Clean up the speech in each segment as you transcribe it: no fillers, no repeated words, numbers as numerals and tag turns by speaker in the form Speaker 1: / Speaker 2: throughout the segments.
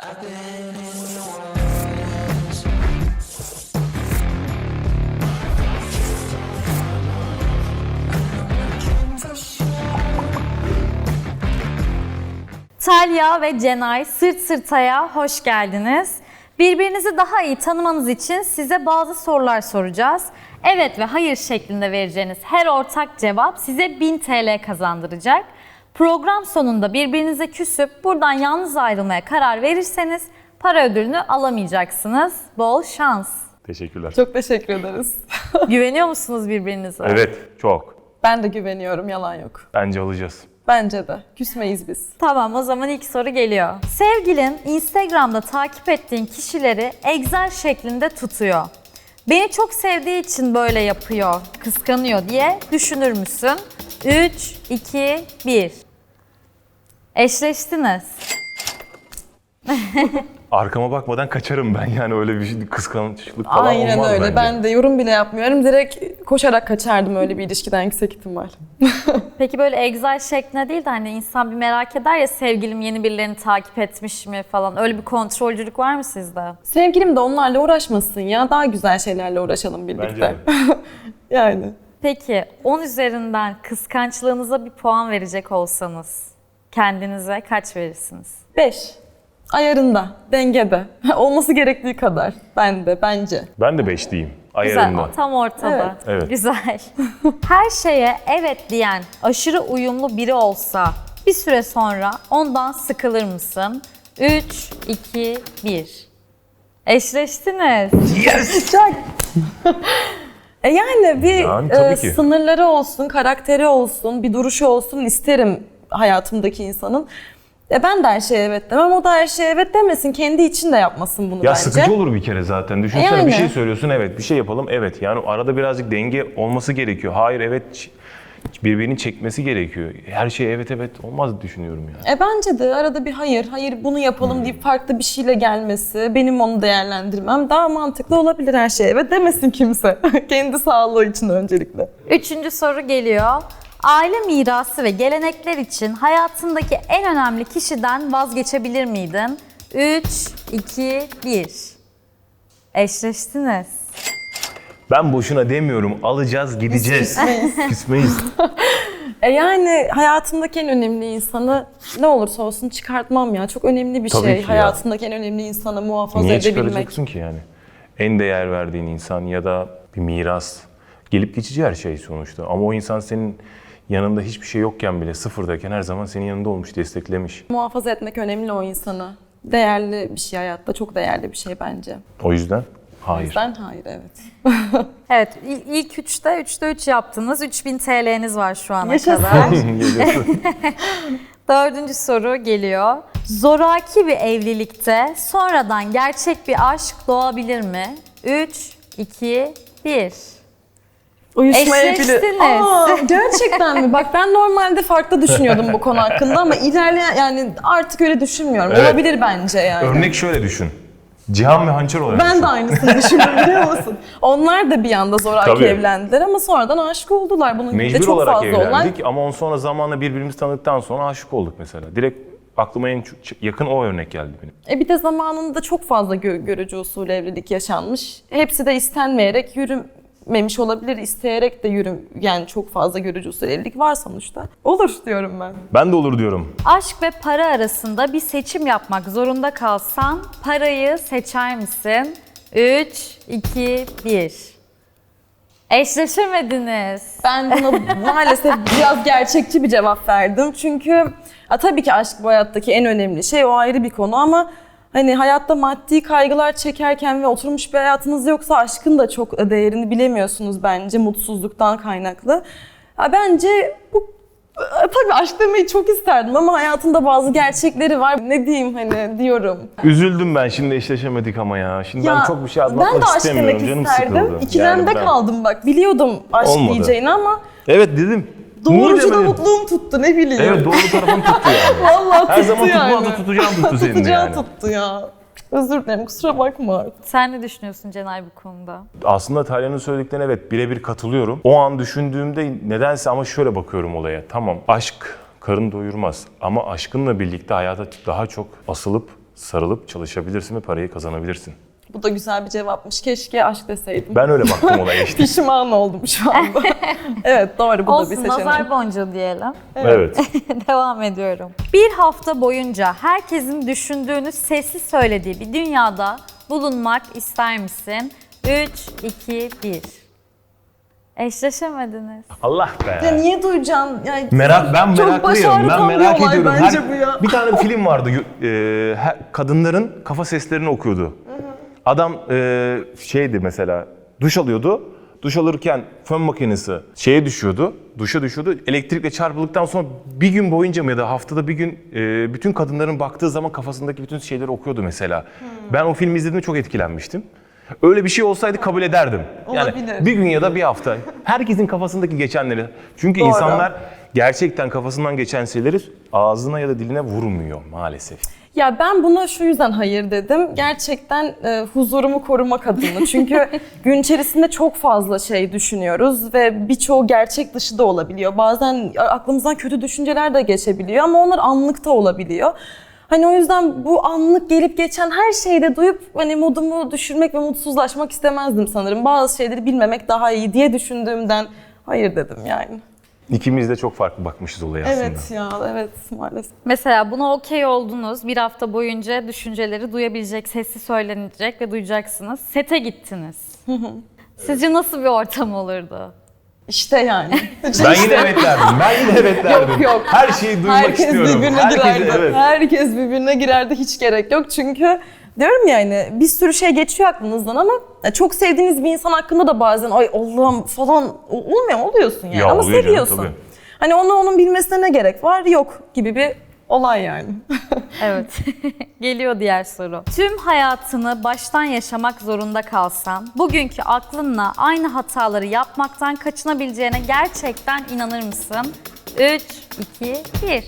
Speaker 1: Talya ve Cenay Sırt Sırta'ya hoş geldiniz. Birbirinizi daha iyi tanımanız için size bazı sorular soracağız. Evet ve hayır şeklinde vereceğiniz her ortak cevap size 1000 TL kazandıracak. Program sonunda birbirinize küsüp buradan yalnız ayrılmaya karar verirseniz para ödülünü alamayacaksınız. Bol şans.
Speaker 2: Teşekkürler.
Speaker 3: Çok teşekkür ederiz.
Speaker 1: Güveniyor musunuz birbirinize?
Speaker 2: Evet, çok.
Speaker 3: Ben de güveniyorum, yalan yok.
Speaker 2: Bence alacağız.
Speaker 3: Bence de. Küsmeyiz biz.
Speaker 1: Tamam, o zaman ilk soru geliyor. Sevgilin Instagram'da takip ettiğin kişileri Excel şeklinde tutuyor. Beni çok sevdiği için böyle yapıyor, kıskanıyor diye düşünür müsün? 3, 2, 1. Eşleştiniz.
Speaker 2: Arkama bakmadan kaçarım ben, yani öyle bir şey, kıskançlık falan
Speaker 3: Aynen
Speaker 2: olmaz
Speaker 3: öyle.
Speaker 2: bence.
Speaker 3: Ben de yorum bile yapmıyorum. Direkt koşarak kaçardım öyle bir ilişkiden yüksek ihtimal.
Speaker 1: Peki böyle Excel şeklinde değil de hani insan bir merak eder ya, sevgilim yeni birilerini takip etmiş mi falan. Öyle bir kontrolcülük var mı sizde?
Speaker 3: Sevgilim de onlarla uğraşmasın ya. Daha güzel şeylerle uğraşalım birlikte.
Speaker 2: Bence de.
Speaker 3: Yani.
Speaker 1: Peki 10 üzerinden kıskançlığınıza bir puan verecek olsanız kendinize kaç verirsiniz?
Speaker 3: 5. Ayarında, dengede. Olması gerektiği kadar. Bence.
Speaker 2: Ben de 5 diyeyim.
Speaker 1: Güzel,
Speaker 2: Ayarında.
Speaker 1: tam ortada.
Speaker 3: Evet.
Speaker 2: Evet.
Speaker 1: Güzel. Her şeye evet diyen aşırı uyumlu biri olsa bir süre sonra ondan sıkılır mısın? 3, 2, 1. Eşleştiniz.
Speaker 3: Çok. Yani bir
Speaker 2: Yani tabii ki.
Speaker 3: sınırları olsun, karakteri olsun, bir duruşu olsun isterim hayatımdaki insanın. Ben de her şeye evet demem, o da her şeye evet demesin. Kendi için de yapmasın bunu
Speaker 2: Ya
Speaker 3: bence.
Speaker 2: sıkıcı olur bir kere zaten. Düşünsene
Speaker 3: Yani.
Speaker 2: bir şey söylüyorsun, evet, bir şey yapalım, evet. Yani arada birazcık denge olması gerekiyor. Hayır, evet, birbirini çekmesi gerekiyor. Her şey evet olmaz düşünüyorum yani.
Speaker 3: Bence de arada bir hayır bunu yapalım deyip farklı bir şeyle gelmesi, benim onu değerlendirmem daha mantıklı olabilir her şeye. Evet demesin kimse. Kendi sağlığı için öncelikle.
Speaker 1: Üçüncü soru geliyor. Aile mirası ve gelenekler için hayatındaki en önemli kişiden vazgeçebilir miydin? 3, 2, 1. Eşleştiniz.
Speaker 2: Ben boşuna demiyorum, alacağız, gideceğiz. Küsmeyiz.
Speaker 3: Yani hayatımdaki en önemli insanı ne olursa olsun çıkartmam ya. Çok önemli bir
Speaker 2: Tabii
Speaker 3: şey.
Speaker 2: ki ya.
Speaker 3: Hayatındaki en önemli insanı muhafaza
Speaker 2: Niye
Speaker 3: edebilmek.
Speaker 2: çıkaracaksın ki yani? En değer verdiğin insan ya da bir miras. Gelip geçici her şey sonuçta. Ama o insan senin yanında hiçbir şey yokken bile, sıfırdayken her zaman senin yanında olmuş, desteklemiş.
Speaker 3: Muhafaza etmek önemli o insanı. Değerli bir şey hayatta. Çok değerli bir şey bence.
Speaker 2: O yüzden
Speaker 3: O
Speaker 2: hayır.
Speaker 3: yüzden hayır, evet.
Speaker 1: Evet, ilk 3'te 3 yaptınız. 3000 TL'niz var şu ana
Speaker 3: Yaşasın.
Speaker 1: kadar.
Speaker 2: Geliyorsun.
Speaker 1: Dördüncü soru geliyor. Zoraki bir evlilikte sonradan gerçek bir aşk doğabilir mi? 3, 2, 1.
Speaker 3: Uyuşmayabilir.
Speaker 1: Eşleştiniz.
Speaker 3: Gerçekten mi? Bak ben normalde farklı düşünüyordum bu konu hakkında ama ilerleyen yani artık öyle düşünmüyorum.
Speaker 2: Evet.
Speaker 3: Olabilir bence yani.
Speaker 2: Örnek şöyle düşün. Cihan ve Hançer olarak
Speaker 3: Ben
Speaker 2: düşün.
Speaker 3: de aynısını düşünüyorum biliyor musun? Onlar da bir anda zoraki
Speaker 2: Tabii.
Speaker 3: evlendiler ama sonradan aşık oldular. Bunun gibi de
Speaker 2: Mecbur
Speaker 3: çok
Speaker 2: olarak
Speaker 3: fazla
Speaker 2: evlendik
Speaker 3: olan.
Speaker 2: ama on sonra zamanla birbirimizi tanıdıktan sonra aşık olduk mesela. Direkt aklıma en yakın o örnek geldi benim.
Speaker 3: Bir de zamanında çok fazla görücü usulü evlilik yaşanmış. Hepsi de istenmeyerek yürümemiş olabilir. İsteyerek de yani çok fazla görücü usulü evlilik var sonuçta. Olur diyorum ben.
Speaker 2: Ben de olur diyorum.
Speaker 1: Aşk ve para arasında bir seçim yapmak zorunda kalsan parayı seçer misin? 3, 2, 1. Eşleşemediniz.
Speaker 3: Ben buna maalesef biraz gerçekçi bir cevap verdim. Çünkü tabii ki aşk bu hayattaki en önemli şey. O ayrı bir konu ama hani hayatta maddi kaygılar çekerken ve oturmuş bir hayatınız yoksa aşkın da çok değerini bilemiyorsunuz bence mutsuzluktan kaynaklı. Bence bu tabii aşk demeyi çok isterdim ama hayatında bazı gerçekleri var. Ne diyeyim hani diyorum.
Speaker 2: Üzüldüm ben, şimdi eşleşemedik ama ya. Şimdi ben çok bir şey
Speaker 3: Ben de
Speaker 2: anlatmak
Speaker 3: aşk
Speaker 2: istemiyorum.
Speaker 3: demek
Speaker 2: Canım
Speaker 3: isterdim.
Speaker 2: sıkıldı.
Speaker 3: İkilemde
Speaker 2: Yani ben-
Speaker 3: kaldım bak. Biliyordum aşk
Speaker 2: Olmadı.
Speaker 3: diyeceğini ama
Speaker 2: Evet dedim.
Speaker 3: doğrucu da
Speaker 2: demedim?
Speaker 3: mutluğum tuttu ne bileyim.
Speaker 2: Evet, doğru tarafım tuttu yani.
Speaker 3: Vallahi tuttu
Speaker 2: Her zaman
Speaker 3: yani.
Speaker 2: tutmadı, tutacağım tuttu senin de
Speaker 3: Tutacağım
Speaker 2: yani.
Speaker 3: tuttu ya. Özür dilerim kusura bakma artık.
Speaker 1: Sen ne düşünüyorsun Cenay bu konuda?
Speaker 2: Aslında Talya'nın söylediklerine evet birebir katılıyorum. O an düşündüğümde nedense ama şöyle bakıyorum olaya. Tamam, aşk karın doyurmaz ama aşkınla birlikte hayata daha çok asılıp sarılıp çalışabilirsin ve parayı kazanabilirsin.
Speaker 3: Bu da güzel bir cevapmış. Keşke aşk deseydim.
Speaker 2: Ben öyle baktım olaya işte.
Speaker 3: Pişman oldum şu anda. Evet doğru, bu da bir
Speaker 1: Olsun,
Speaker 3: seçenek.
Speaker 1: nazar boncuğu diyelim.
Speaker 2: Evet.
Speaker 1: Devam ediyorum. Bir hafta boyunca herkesin düşündüğünü sessiz söylediği bir dünyada bulunmak ister misin? 3, 2, 1. Eşleşemediniz.
Speaker 2: Allah be.
Speaker 3: Ya niye duyacaksın? Yani
Speaker 2: Ben
Speaker 3: çok
Speaker 2: meraklıyım.
Speaker 3: baş
Speaker 2: Ben
Speaker 3: ağrıtan bir
Speaker 2: merak
Speaker 3: olay
Speaker 2: ediyorum.
Speaker 3: bence bu ya.
Speaker 2: Bir tane film vardı. Kadınların kafa seslerini okuyordu. Adam şeydi mesela, duş alıyordu. Duş alırken fön makinesi duşa düşüyordu. Elektrikle çarpıldıktan sonra bir gün boyunca mı ya da haftada bir gün bütün kadınların baktığı zaman kafasındaki bütün şeyleri okuyordu mesela. Ben o filmi izlediğimde çok etkilenmiştim. Öyle bir şey olsaydı kabul ederdim. Yani
Speaker 3: Olabilir.
Speaker 2: bir gün ya da bir hafta. Herkesin kafasındaki geçenleri. Çünkü
Speaker 3: Doğru.
Speaker 2: insanlar gerçekten kafasından geçen şeyleri ağzına ya da diline vurmuyor maalesef.
Speaker 3: Ya ben buna şu yüzden hayır dedim. Gerçekten huzurumu korumak adına. Çünkü gün içerisinde çok fazla şey düşünüyoruz ve birçoğu gerçek dışı da olabiliyor. Bazen aklımızdan kötü düşünceler de geçebiliyor ama onlar anlıkta olabiliyor. Hani o yüzden bu anlık gelip geçen her şeyi de duyup hani modumu düşürmek ve mutsuzlaşmak istemezdim sanırım. Bazı şeyleri bilmemek daha iyi diye düşündüğümden hayır dedim yani.
Speaker 2: İkimiz de çok farklı bakmışız olaya aslında.
Speaker 3: Evet ya, evet maalesef.
Speaker 1: Mesela buna okey oldunuz. Bir hafta boyunca düşünceleri duyabilecek, sesi söylenecek ve duyacaksınız. Sete gittiniz. Sizce nasıl bir ortam olurdu?
Speaker 3: İşte yani.
Speaker 2: Ben yine evet derdim.
Speaker 3: Yok.
Speaker 2: Her şeyi duymak
Speaker 3: Herkes
Speaker 2: istiyorum.
Speaker 3: birbirine girerdi.
Speaker 2: Evet.
Speaker 3: Herkes birbirine girerdi, hiç gerek yok. Çünkü diyorum yani bir sürü şey geçiyor aklınızdan ama çok sevdiğiniz bir insan hakkında da bazen ay Allah'ım falan olmuyor mu? Oluyorsun yani
Speaker 2: Ya
Speaker 3: ama
Speaker 2: oluyor canım,
Speaker 3: seviyorsun.
Speaker 2: tabii.
Speaker 3: Hani onun bilmesine ne gerek var? Yok gibi bir olay yani.
Speaker 1: Evet. Geliyor diğer soru. Tüm hayatını baştan yaşamak zorunda kalsan, bugünkü aklınla aynı hataları yapmaktan kaçınabileceğine gerçekten inanır mısın? 3, 2, 1.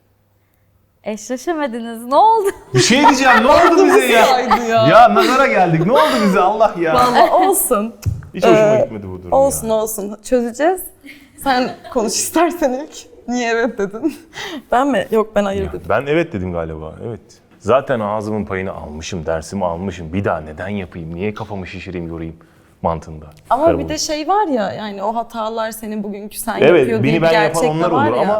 Speaker 1: Eşleşemediniz. Ne oldu?
Speaker 2: Bir şey diyeceğim, ne oldu bize ya?
Speaker 3: Saydı ya.
Speaker 2: Ya nazara geldik, ne oldu bize Allah ya?
Speaker 3: Vallahi olsun.
Speaker 2: Hiç hoşuma gitmedi bu durum
Speaker 3: Olsun
Speaker 2: ya.
Speaker 3: olsun. Çözeceğiz. Sen konuş istersen ilk. Niye evet dedin? Ben mi? Yok ben hayır dedim.
Speaker 2: Ben evet dedim galiba, evet. Zaten ağzımın payını almışım, dersimi almışım. Bir daha neden yapayım, niye kafamı şişireyim, yorayım mantığında.
Speaker 3: Ama
Speaker 2: Karar
Speaker 3: bir
Speaker 2: buldum.
Speaker 3: de şey var ya yani o hatalar senin bugünkü sen
Speaker 2: Evet,
Speaker 3: yapıyor diye
Speaker 2: beni
Speaker 3: bir
Speaker 2: ben
Speaker 3: gerçek
Speaker 2: yapan
Speaker 3: de
Speaker 2: onlar
Speaker 3: var
Speaker 2: olur
Speaker 3: ya.
Speaker 2: ama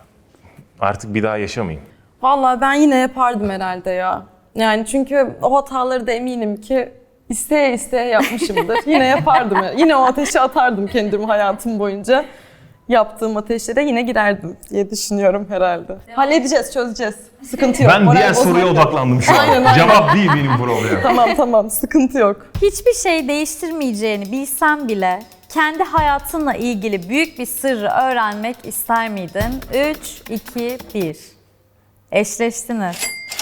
Speaker 2: artık bir daha yaşamayayım.
Speaker 3: Vallahi ben yine yapardım herhalde ya. Yani çünkü o hataları da eminim ki isteye isteye yapmışımdır. Yine yapardım. Yine o ateşe atardım kendimi hayatım boyunca. Yaptığım ateşlere yine girerdim diye düşünüyorum herhalde. Halledeceğiz, çözeceğiz. Sıkıntı yok.
Speaker 2: Ben
Speaker 3: moral
Speaker 2: diğer soruya
Speaker 3: bozmak yok.
Speaker 2: odaklandım şu an.
Speaker 3: Aynen.
Speaker 2: Cevap değil benim problemim.
Speaker 3: Tamam, sıkıntı yok.
Speaker 1: Hiçbir şey değiştirmeyeceğini bilsen bile kendi hayatınla ilgili büyük bir sırrı öğrenmek ister miydin? 3, 2, 1. Eşleştiniz.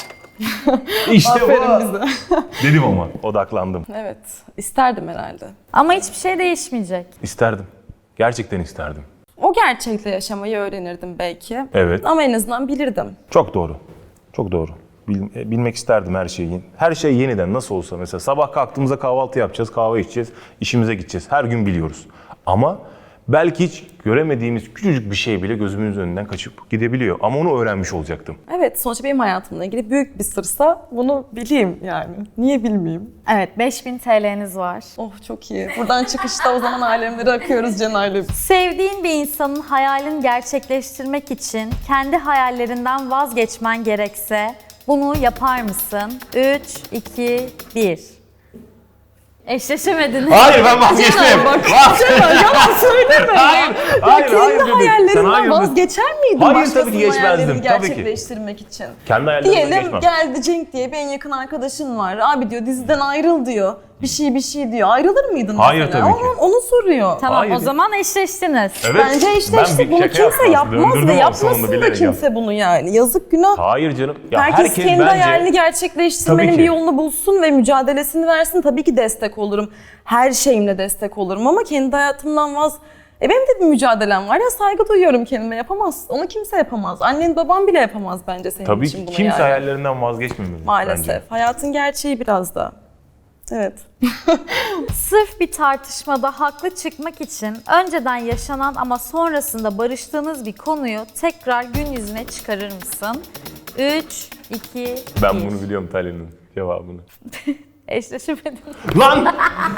Speaker 2: İşte
Speaker 3: Aferin
Speaker 2: bu.
Speaker 3: bize.
Speaker 2: Dedim ama odaklandım.
Speaker 3: Evet, isterdim herhalde.
Speaker 1: Ama hiçbir şey değişmeyecek.
Speaker 2: İsterdim. Gerçekten isterdim.
Speaker 3: O gerçekle yaşamayı öğrenirdim belki.
Speaker 2: Evet.
Speaker 3: Ama en azından bilirdim.
Speaker 2: Çok doğru. Çok doğru. Bilmek isterdim her şeyi. Her şey yeniden nasıl olsa mesela sabah kalktığımızda kahvaltı yapacağız, kahve içeceğiz, işimize gideceğiz. Her gün biliyoruz. Ama belki hiç göremediğimiz küçücük bir şey bile gözümüzün önünden kaçıp gidebiliyor. Ama onu öğrenmiş olacaktım.
Speaker 3: Evet, sonuçta benim hayatımla ilgili büyük bir sırsa bunu bileyim yani. Niye bilmeyeyim?
Speaker 1: Evet, 5000 TL'niz var.
Speaker 3: Oh çok iyi. Buradan çıkışta o zaman alemlere akıyoruz Cenay'la.
Speaker 1: Sevdiğin bir insanın hayalini gerçekleştirmek için kendi hayallerinden vazgeçmen gerekse bunu yapar mısın? 3, 2, 1. Eşleşemediniz.
Speaker 2: Hayır ben vazgeçtim.
Speaker 3: Yalan söyleme.
Speaker 2: Hayır
Speaker 3: Kendi
Speaker 2: dedim. Sen
Speaker 3: hayallerinden
Speaker 2: hayır dedin.
Speaker 3: vazgeçer miydin
Speaker 2: Hayır,
Speaker 3: başkasının
Speaker 2: tabii ki geçmezdim.
Speaker 3: hayallerini
Speaker 2: Tabii ki.
Speaker 3: gerçekleştirmek için?
Speaker 2: Kendi hayallerimden
Speaker 3: Diyelim
Speaker 2: geçmem.
Speaker 3: geldi Cenk diye bir en yakın arkadaşın var. Abi diyor diziden ayrıl diyor. Bir şey diyor. Ayrılır mıydın
Speaker 2: Hayır,
Speaker 3: mesela?
Speaker 2: tabii ki.
Speaker 3: Onu soruyor.
Speaker 1: Tamam,
Speaker 2: Hayır.
Speaker 1: o zaman eşleştiniz.
Speaker 2: Evet.
Speaker 3: Bence işte
Speaker 2: Ben bir
Speaker 3: bunu
Speaker 2: şaka
Speaker 3: kimse
Speaker 2: yaptım
Speaker 3: yapmaz
Speaker 2: aslında.
Speaker 3: ve
Speaker 2: Öldürdüm
Speaker 3: yapmasın
Speaker 2: sonunda
Speaker 3: da
Speaker 2: bilerek
Speaker 3: kimse bunu yani. Yazık günah.
Speaker 2: Hayır canım. Ya
Speaker 3: Herkes kendi
Speaker 2: bence
Speaker 3: hayalini gerçekleştirmenin
Speaker 2: Tabii ki.
Speaker 3: bir yolunu bulsun ve mücadelesini versin. Tabii ki destek olurum. Her şeyimle destek olurum ama kendi hayatımdan benim de bir mücadelem var ya, saygı duyuyorum kendime, yapamaz. Onu kimse yapamaz. Annen baban bile yapamaz bence senin
Speaker 2: tabii
Speaker 3: için
Speaker 2: ki
Speaker 3: bunu
Speaker 2: kimse
Speaker 3: yani.
Speaker 2: hayallerinden vazgeçmemeli
Speaker 3: Maalesef.
Speaker 2: bence.
Speaker 3: Hayatın gerçeği biraz da. Evet.
Speaker 1: Sırf bir tartışmada haklı çıkmak için önceden yaşanan ama sonrasında barıştığınız bir konuyu tekrar gün yüzüne çıkarır mısın? 3, 2,
Speaker 2: Ben
Speaker 1: 1.
Speaker 2: bunu biliyorum Talya'nın cevabını.
Speaker 1: Eşleşemedim.
Speaker 2: Lan!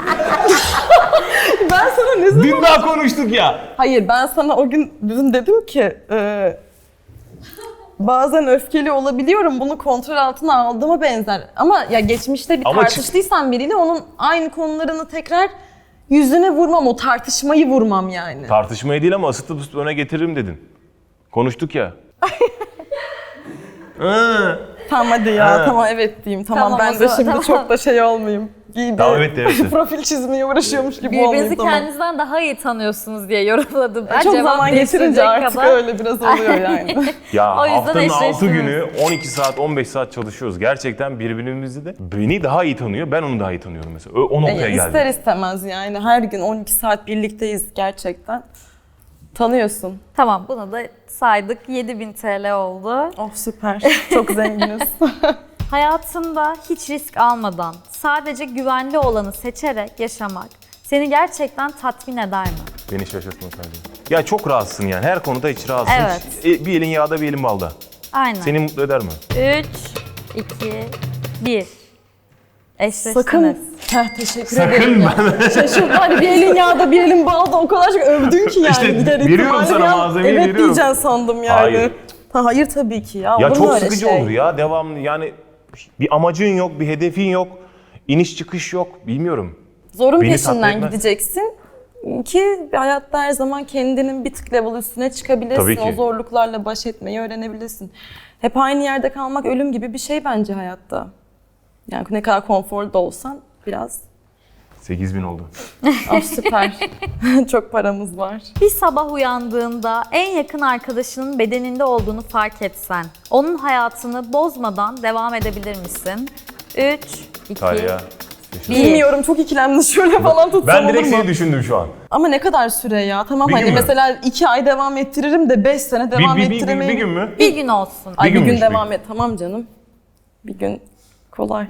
Speaker 3: Ben sana ne zaman...
Speaker 2: Dün daha konuştuk ya.
Speaker 3: Hayır, ben sana o gün dün dedim ki bazen öfkeli olabiliyorum, bunu kontrol altına aldığıma benzer. Ama ya geçmişte bir
Speaker 2: Ama
Speaker 3: tartıştıysan biriyle onun aynı konularını tekrar yüzüne vurmam, o tartışmayı vurmam yani.
Speaker 2: Tartışmayı değil ama ısıtıp ısıtıp öne getiririm dedin. Konuştuk ya.
Speaker 3: Tamam hadi ya, tamam evet diyeyim. Tamam,
Speaker 1: Tamam,
Speaker 3: ben
Speaker 1: o
Speaker 3: de
Speaker 1: zaman,
Speaker 3: şimdi
Speaker 1: tamam.
Speaker 3: çok da şey olmayayım.
Speaker 2: Tamam, evet de, evet de.
Speaker 3: Profil çizmeye uğraşıyormuş gibi olmayayım.
Speaker 1: Birbirinizi
Speaker 3: Tamam.
Speaker 1: kendinizden daha iyi tanıyorsunuz diye yorumladım. Ben
Speaker 3: Çok
Speaker 1: cevap
Speaker 3: zaman geçirince
Speaker 1: değiştirecek
Speaker 3: artık
Speaker 1: kadar.
Speaker 3: öyle biraz oluyor yani.
Speaker 2: Ya
Speaker 1: O yüzden
Speaker 2: haftanın 6
Speaker 1: eşleştiniz.
Speaker 2: günü 12 saat 15 saat çalışıyoruz. Gerçekten birbirimizi de beni daha iyi tanıyor, ben onu daha iyi tanıyorum mesela. O noktaya
Speaker 3: İster
Speaker 2: geldim.
Speaker 3: istemez yani her gün 12 saat birlikteyiz gerçekten. Tanıyorsun.
Speaker 1: Tamam, bunu da saydık. 7000 TL oldu.
Speaker 3: Oh süper. Çok zenginiz.
Speaker 1: Hayatında hiç risk almadan sadece güvenli olanı seçerek yaşamak seni gerçekten tatmin eder mi?
Speaker 2: Beni şaşırtma sadece. Ya çok rahatsın yani, her konuda hiç rahatsın.
Speaker 1: Evet.
Speaker 2: Hiç, bir elin yağda bir elin balda.
Speaker 1: Aynen.
Speaker 2: Seni mutlu eder mi?
Speaker 1: 3, 2, 1. Eşleştiniz.
Speaker 3: Sakın. Heh, teşekkür
Speaker 2: Sakın
Speaker 3: ederim ya. Şaşırdım, hani bir elin yağda bir elin balda, o kadar çok övdün ki yani.
Speaker 2: İşte
Speaker 3: Gider
Speaker 2: veriyorum
Speaker 3: ihtimali
Speaker 2: sana
Speaker 3: bir an
Speaker 2: malzemeyi,
Speaker 3: evet
Speaker 2: veriyorum.
Speaker 3: diyeceksin sandım yani.
Speaker 2: Hayır.
Speaker 3: Hayır tabii ki ya.
Speaker 2: Ya
Speaker 3: olur mu
Speaker 2: çok
Speaker 3: öyle
Speaker 2: sıkıcı
Speaker 3: şey?
Speaker 2: olur ya, devamlı yani bir amacın yok, bir hedefin yok, iniş çıkış yok, bilmiyorum.
Speaker 3: Zorun
Speaker 2: Beni tatmin
Speaker 3: peşinden
Speaker 2: etmez.
Speaker 3: gideceksin ki hayatta her zaman kendinin bir tık level üstüne çıkabilirsin.
Speaker 2: Tabii ki.
Speaker 3: O zorluklarla baş etmeyi öğrenebilirsin. Hep aynı yerde kalmak ölüm gibi bir şey bence hayatta. Yani ne kadar konforlu da olsan biraz.
Speaker 2: 8.000 oldu.
Speaker 3: Ah süper. Çok paramız var.
Speaker 1: Bir sabah uyandığında en yakın arkadaşının bedeninde olduğunu fark etsen, onun hayatını bozmadan devam edebilir misin? 3, 2,
Speaker 2: Talya.
Speaker 3: Bilmiyorum, çok ikilemli, şöyle falan tutsam
Speaker 2: Ben
Speaker 3: olur
Speaker 2: direkt
Speaker 3: mu?
Speaker 2: seni düşündüm şu an.
Speaker 3: Ama ne kadar süre ya? Tamam
Speaker 2: Bir
Speaker 3: hani
Speaker 2: gün mü?
Speaker 3: mesela 2 ay devam ettiririm de 5 sene devam
Speaker 2: Bir
Speaker 3: ettiremeyirim.
Speaker 2: gün mü?
Speaker 1: Bir gün olsun.
Speaker 3: Ay bir gün
Speaker 2: günmüş, bir
Speaker 3: devam
Speaker 2: gün.
Speaker 3: et. Tamam canım. Bir gün kolay.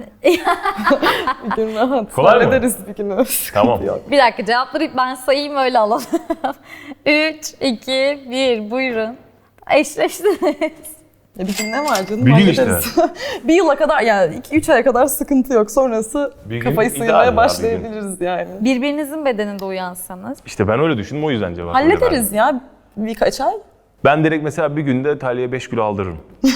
Speaker 3: Bir gün rahat.
Speaker 2: Kolay mı?
Speaker 3: Hallederiz bir günü.
Speaker 2: Tamam.
Speaker 1: Bir dakika, cevapları ben sayayım öyle alalım. 3, 2, 1 buyurun. Eşleştiniz.
Speaker 3: Ya bir gün ne var canım?
Speaker 2: Bir gün
Speaker 3: hallederiz. Bir yıla kadar yani 2-3 aya kadar sıkıntı yok. Sonrası
Speaker 2: Bir gün
Speaker 3: kafayı
Speaker 2: ideal
Speaker 3: sıyırmaya
Speaker 2: ya,
Speaker 3: başlayabiliriz yani.
Speaker 1: Birbirinizin bedeninde uyansanız.
Speaker 2: İşte ben öyle düşündüm, o yüzden cevap öyle verdim.
Speaker 3: Hallederiz ya birkaç ay.
Speaker 2: Ben direkt mesela bir günde Talya'ya 5 kilo aldırırım.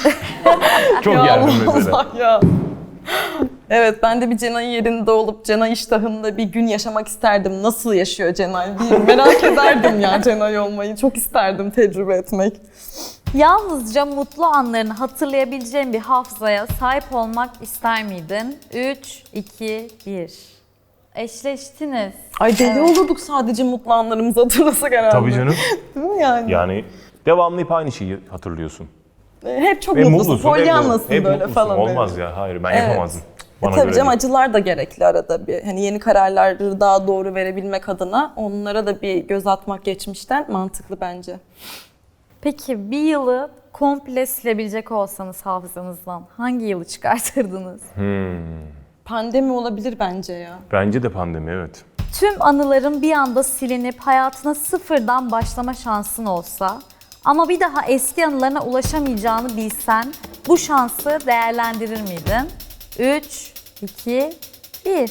Speaker 2: Çok
Speaker 3: Ya
Speaker 2: yerdim
Speaker 3: Allah
Speaker 2: mesela.
Speaker 3: Allah ya. Evet, ben de bir Cenay'ın yerinde olup Cenay iştahında bir gün yaşamak isterdim. Nasıl yaşıyor Cenay diye merak ederdim ya Cenay olmayı. Çok isterdim tecrübe etmek.
Speaker 1: Yalnızca mutlu anlarını hatırlayabileceğin bir hafızaya sahip olmak ister miydin? 3, 2, 1. Eşleştiniz.
Speaker 3: Ay deli
Speaker 1: Evet.
Speaker 3: olurduk sadece mutlu anlarımızı hatırlasak herhalde.
Speaker 2: Tabii canım.
Speaker 3: Değil mi yani?
Speaker 2: Yani devamlı hep aynı şeyi hatırlıyorsun.
Speaker 3: Hep çok
Speaker 2: Ve
Speaker 3: mutlusun,
Speaker 2: mutlusun.
Speaker 3: polyanlasın
Speaker 2: hep
Speaker 3: böyle
Speaker 2: mutlusun.
Speaker 3: falan.
Speaker 2: Olmaz
Speaker 3: böyle.
Speaker 2: ya, hayır ben
Speaker 3: Evet.
Speaker 2: yapamazdım. Bana
Speaker 3: Tabii
Speaker 2: göre
Speaker 3: canım,
Speaker 2: değil.
Speaker 3: acılar da gerekli arada bir. Hani yeni kararları daha doğru verebilmek adına onlara da bir göz atmak geçmişten mantıklı bence.
Speaker 1: Peki bir yılı komple silebilecek olsanız hafızanızdan hangi yılı çıkartırdınız?
Speaker 3: Pandemi olabilir bence ya.
Speaker 2: Bence de pandemi, evet.
Speaker 1: Tüm anıların bir anda silinip hayatına sıfırdan başlama şansın olsa ama bir daha eski anılarına ulaşamayacağını bilsen bu şansı değerlendirir miydin? 3, 2, 1.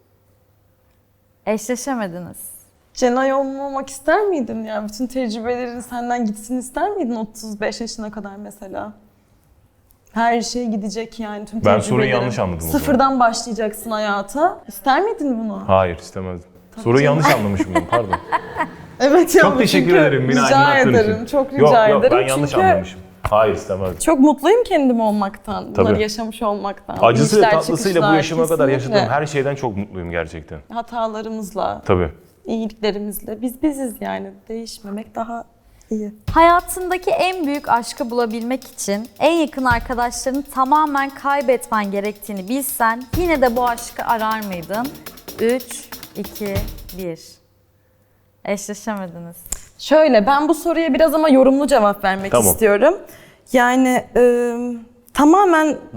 Speaker 1: Eşleşemediniz.
Speaker 3: Cenay olmamak ister miydin ya? Bütün tecrübelerin senden gitsin ister miydin 35 yaşına kadar mesela? Her şey gidecek yani tüm
Speaker 2: Ben
Speaker 3: tecrübelerin.
Speaker 2: soruyu yanlış anladım o zaman.
Speaker 3: Sıfırdan başlayacaksın hayata. İster miydin bunu?
Speaker 2: Hayır, istemezdim. Soruyu yanlış anlamışım ben, pardon.
Speaker 3: Evet ya.
Speaker 2: Çok teşekkür
Speaker 3: çünkü
Speaker 2: ederim beni
Speaker 3: rica
Speaker 2: aydınlattığın
Speaker 3: ederim.
Speaker 2: için.
Speaker 3: Çok rica
Speaker 2: yok,
Speaker 3: ederim.
Speaker 2: ben yanlış
Speaker 3: çünkü
Speaker 2: anlamışım. Hayır, istemezdim.
Speaker 3: çok mutluyum kendim olmaktan. Bunları
Speaker 2: Tabii.
Speaker 3: yaşamış olmaktan.
Speaker 2: Acısıyla
Speaker 3: İnişler,
Speaker 2: tatlısıyla bu
Speaker 3: çıkışlar,
Speaker 2: yaşıma kadar
Speaker 3: kesinlikle.
Speaker 2: yaşadığım her şeyden çok mutluyum gerçekten.
Speaker 3: Hatalarımızla,
Speaker 2: Tabii.
Speaker 3: iyiliklerimizle biz biziz yani. Değişmemek daha iyi.
Speaker 1: Hayatındaki en büyük aşkı bulabilmek için en yakın arkadaşlarını tamamen kaybetmen gerektiğini bilsen yine de bu aşkı arar mıydın? 3, 2, 1. Eşleşemediniz.
Speaker 3: Şöyle, ben bu soruya biraz ama yorumlu cevap vermek
Speaker 2: Tamam.
Speaker 3: istiyorum. Yani tamamen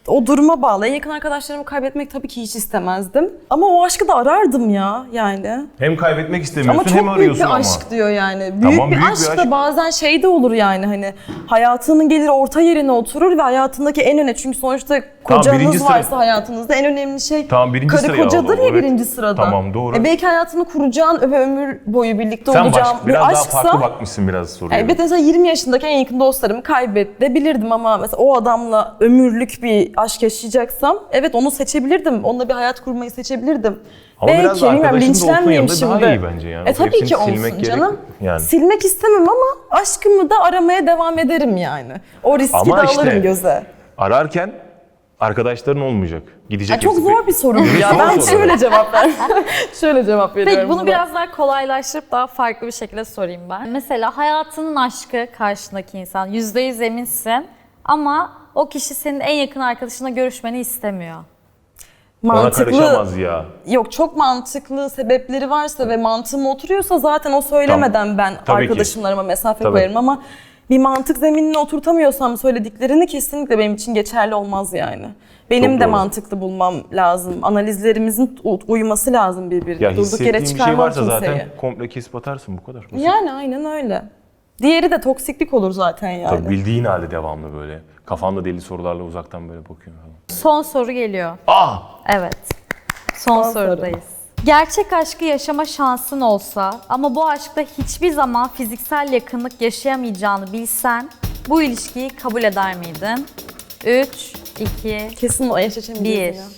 Speaker 3: o duruma bağlı. En yakın arkadaşlarımı kaybetmek tabii ki hiç istemezdim. Ama o aşkı da arardım ya yani.
Speaker 2: Hem kaybetmek istemiyorsun
Speaker 3: Ama
Speaker 2: hem
Speaker 3: çok büyük
Speaker 2: arıyorsun
Speaker 3: bir
Speaker 2: ama.
Speaker 3: aşk diyor yani. Büyük
Speaker 2: Tamam,
Speaker 3: bir
Speaker 2: büyük bir
Speaker 3: aşk
Speaker 2: aşk.
Speaker 3: da bazen şey de olur yani hani hayatının gelir orta yerine oturur ve hayatındaki en önemli çünkü sonuçta kocanız
Speaker 2: birinci sıra-
Speaker 3: varsa hayatınızda en önemli şey
Speaker 2: Tamam, birinci
Speaker 3: karı
Speaker 2: sıraya
Speaker 3: kocadır
Speaker 2: al o,
Speaker 3: ya
Speaker 2: evet.
Speaker 3: birinci sırada.
Speaker 2: Tamam, doğru.
Speaker 3: Belki hayatını kuracağın ve ömür boyu birlikte
Speaker 2: Sen
Speaker 3: olacağın
Speaker 2: biraz
Speaker 3: bir
Speaker 2: daha
Speaker 3: aşksa.
Speaker 2: farklı bakmışsın biraz soruya.
Speaker 3: Evet mesela 20 yaşındaki en yakın dostlarımı kaybedebilirdim ama mesela o adamla ömürlük bir aşk yaşayacaksam evet onu seçebilirdim. Onunla bir hayat kurmayı seçebilirdim.
Speaker 2: Ama biraz da
Speaker 3: bilmiyorum,
Speaker 2: arkadaşın da olsun
Speaker 3: linçlenmeyeyim
Speaker 2: yanında daha iyi bence yani.
Speaker 3: Tabii
Speaker 2: Hepsini
Speaker 3: ki
Speaker 2: silmek
Speaker 3: olsun
Speaker 2: gerek-
Speaker 3: canım.
Speaker 2: yani.
Speaker 3: Silmek istemem ama aşkımı da aramaya devam ederim yani. O riski
Speaker 2: Ama
Speaker 3: de
Speaker 2: işte,
Speaker 3: alırım göze.
Speaker 2: Ararken arkadaşların olmayacak. Gidecek
Speaker 3: Ya çok
Speaker 2: hepsi.
Speaker 3: zor bir soru bu ya.
Speaker 2: Zor
Speaker 3: Ben
Speaker 2: soru.
Speaker 3: şöyle cevap ver. şöyle cevap veriyorum.
Speaker 1: Peki bunu
Speaker 3: buna.
Speaker 1: biraz daha kolaylaştırıp daha farklı bir şekilde sorayım ben. Mesela hayatının aşkı karşındaki insan, %100 eminsin ama o kişi senin en yakın arkadaşınla görüşmeni istemiyor.
Speaker 2: Ona karışamaz ya.
Speaker 3: Yok çok mantıklı sebepleri varsa ve mantığıma oturuyorsa zaten o söylemeden ben
Speaker 2: Tabii ki.
Speaker 3: arkadaşımlarıma mesafe
Speaker 2: Tabii.
Speaker 3: koyarım ama bir mantık zeminine oturtamıyorsam söylediklerini kesinlikle benim için geçerli olmaz yani. Benim
Speaker 2: Çok
Speaker 3: de
Speaker 2: doğru.
Speaker 3: mantıklı bulmam lazım. Analizlerimizin uyması lazım birbirine.
Speaker 2: Ya
Speaker 3: Durduk yere
Speaker 2: hissettiğin bir şey
Speaker 3: çıkarmam
Speaker 2: varsa
Speaker 3: kimseyi.
Speaker 2: zaten komple kesip atarsın bu kadar. Basit.
Speaker 3: Yani aynen öyle. Diğeri de toksiklik olur zaten yani.
Speaker 2: Tabii bildiğin halde devamlı böyle. Kafanda deli sorularla uzaktan böyle bakıyorsun falan.
Speaker 1: Son soru geliyor. Evet. Son
Speaker 3: Son soru.
Speaker 1: sorudayız. Gerçek aşkı yaşama şansın olsa ama bu aşkta hiçbir zaman fiziksel yakınlık yaşayamayacağını bilsen bu ilişkiyi kabul eder miydin? 3, 2,
Speaker 3: Kesin o eşleşemeyeceğiz
Speaker 1: 1.
Speaker 3: ya.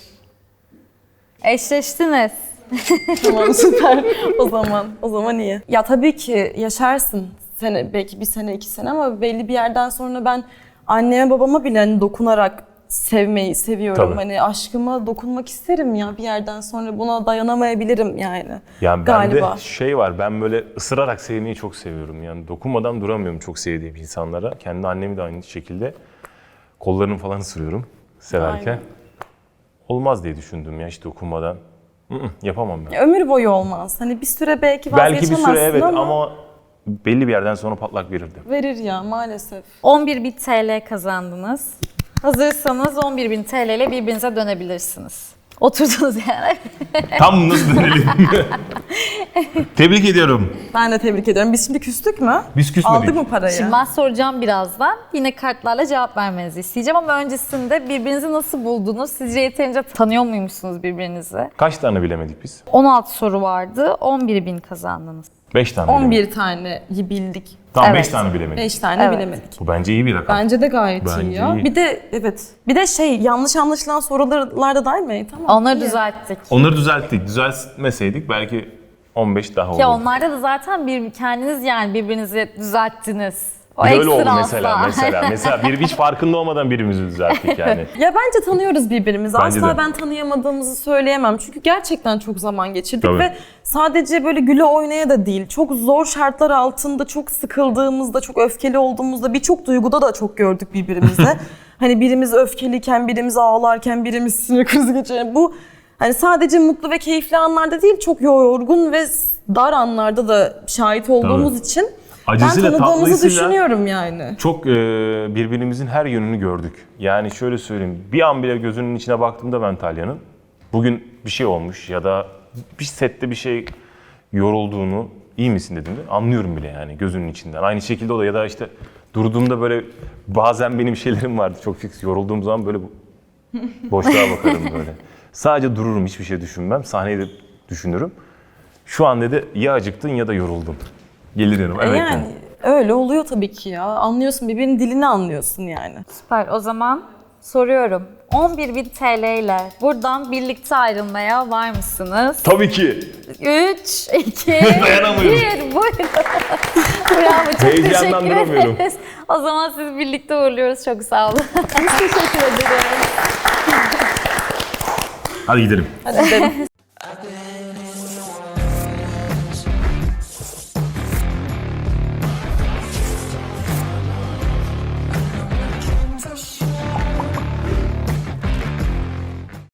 Speaker 1: Eşleştiniz.
Speaker 3: Tamam süper. O zaman iyi. Ya tabii ki yaşarsın. Belki bir sene, 2 sene ama belli bir yerden sonra ben anneme babama bile hani dokunarak sevmeyi seviyorum.
Speaker 2: Tabii.
Speaker 3: Hani aşkıma dokunmak isterim ya bir yerden sonra buna dayanamayabilirim yani.
Speaker 2: Yani
Speaker 3: Galiba.
Speaker 2: bende şey var, ben böyle ısırarak sevmeyi çok seviyorum. Yani dokunmadan duramıyorum çok sevdiğim insanlara. Kendi annemi de aynı şekilde kollarını falan ısırıyorum severken.
Speaker 3: Aynen.
Speaker 2: Olmaz diye düşündüm ya hiç dokunmadan. Yapamam ben.
Speaker 3: Ömür boyu olmaz. Hani bir süre belki
Speaker 2: Belki bir
Speaker 3: vazgeçemezsin
Speaker 2: süre evet
Speaker 3: ama,
Speaker 2: ama belli bir yerden sonra patlak verirdi.
Speaker 3: verir ya maalesef.
Speaker 1: 11.000 TL kazandınız. Hazırsanız 11.000 TL ile birbirinize dönebilirsiniz. Oturdunuz yani.
Speaker 2: Tam nasıl dönelim? Tebrik ediyorum.
Speaker 3: Ben de tebrik ediyorum. Biz şimdi küstük mü?
Speaker 2: Biz küsmedik.
Speaker 3: Aldık mı parayı?
Speaker 1: Şimdi ben soracağım birazdan. Yine kartlarla cevap vermenizi isteyeceğim ama öncesinde birbirinizi nasıl buldunuz? Sizce yeterince tanıyor muymuşsunuz birbirinizi?
Speaker 2: Kaç tane bilemedik biz?
Speaker 1: 16 soru vardı. 11.000 kazandınız.
Speaker 2: 5 tane bilemedik.
Speaker 3: 11 taneyi bildik.
Speaker 2: Tamam
Speaker 1: Evet.
Speaker 2: 5 tane bilemedik.
Speaker 3: 5 tane
Speaker 1: Evet.
Speaker 3: bilemedik.
Speaker 2: Bu bence iyi bir rakam.
Speaker 3: Bence de gayet
Speaker 2: Bence
Speaker 3: iyi ya.
Speaker 2: iyi.
Speaker 3: Bir de evet. Bir de yanlış anlaşılan sorularda da mi? Tamam.
Speaker 1: Onları
Speaker 3: iyi.
Speaker 1: düzelttik.
Speaker 2: Onları düzelttik. Düzeltmeseydik belki 15 daha olurdu.
Speaker 1: Ya onlarda da zaten kendiniz yani birbirinizi düzelttiniz. O
Speaker 2: Bir de öyle oldu
Speaker 1: ekstra
Speaker 2: mesela.
Speaker 1: asla.
Speaker 2: Mesela hiç farkında olmadan birimizi düzelttik yani.
Speaker 3: Ya bence tanıyoruz birbirimizi.
Speaker 2: Bence
Speaker 3: Asla
Speaker 2: de.
Speaker 3: ben tanıyamadığımızı söyleyemem. Çünkü gerçekten çok zaman geçirdik
Speaker 2: Tabii.
Speaker 3: ve sadece böyle güle oynaya da değil. Çok zor şartlar altında, çok sıkıldığımızda, çok öfkeli olduğumuzda, birçok duyguda da çok gördük birbirimizi. Hani birimiz öfkeliyken, birimiz ağlarken, birimiz sinir krizi geçiren. Bu hani sadece mutlu ve keyifli anlarda değil, çok yorgun ve dar anlarda da şahit olduğumuz için
Speaker 2: Acısıyla,
Speaker 3: ben tanıdığımızı
Speaker 2: tatlısıyla
Speaker 3: düşünüyorum yani.
Speaker 2: çok birbirimizin her yönünü gördük. Yani şöyle söyleyeyim, bir an bile gözünün içine baktığımda ben Talya'nın bugün bir şey olmuş ya da bir sette bir şey yorulduğunu, iyi misin dediğinde anlıyorum bile yani gözünün içinden. Aynı şekilde o da ya da işte durduğumda böyle bazen benim şeylerim vardı çok fix yorulduğum zaman böyle boşluğa bakarım böyle. Sadece dururum, hiçbir şey düşünmem. Sahneyi de düşünürüm. Şu an dedi ya acıktın ya da yoruldun. Gelir yanıma. Evet.
Speaker 3: Yani öyle oluyor tabii ki ya. Anlıyorsun, birbirinin dilini anlıyorsun yani.
Speaker 1: Süper. O zaman soruyorum. 11.000 TL ile buradan birlikte ayrılmaya var mısınız?
Speaker 2: Tabii ki.
Speaker 1: 3, 2,
Speaker 2: Dayanamıyorum.
Speaker 1: 1. Buyurun. Bravo. Çok
Speaker 2: Heyecandan
Speaker 1: teşekkür
Speaker 2: duramıyorum.
Speaker 1: ederiz. O zaman sizi birlikte uğurluyoruz. Çok sağ olun. Biz teşekkür ederiz.
Speaker 2: Hadi gidelim.
Speaker 3: Hadi gidelim.